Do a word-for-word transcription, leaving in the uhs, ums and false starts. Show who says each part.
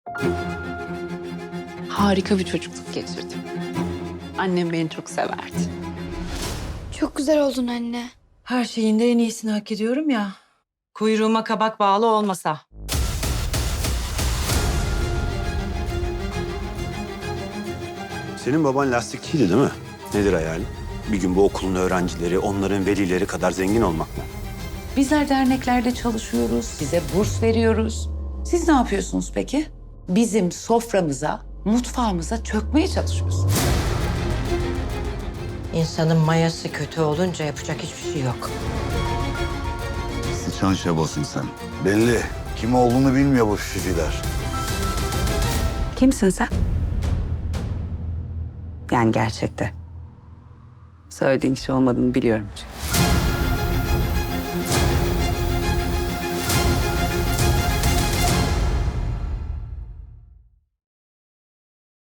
Speaker 1: Harika bir çocukluk geçirdim. Annem beni çok severdi.
Speaker 2: Çok güzel oldun anne.
Speaker 3: Her şeyin de en iyisini hak ediyorum ya. Kuyruğuma kabak bağlı olmasa.
Speaker 4: Senin baban lastikçiydi değil mi? Nedir hayalin? Bir gün bu okulun öğrencileri, onların velileri kadar zengin olmak mı?
Speaker 5: Bizler derneklerde çalışıyoruz, size burs veriyoruz. Siz ne yapıyorsunuz peki? Bizim soframıza, mutfağımıza çökmeye çalışıyorsunuz.
Speaker 6: İnsanın mayası kötü olunca yapacak hiçbir şey yok.
Speaker 7: Sıçan şebasın sen. Belli. Kim olduğunu bilmiyor bu şişiler.
Speaker 8: Kimsin sen? Yani gerçekte. Söylediğin kişi olmadığını biliyorum çünkü.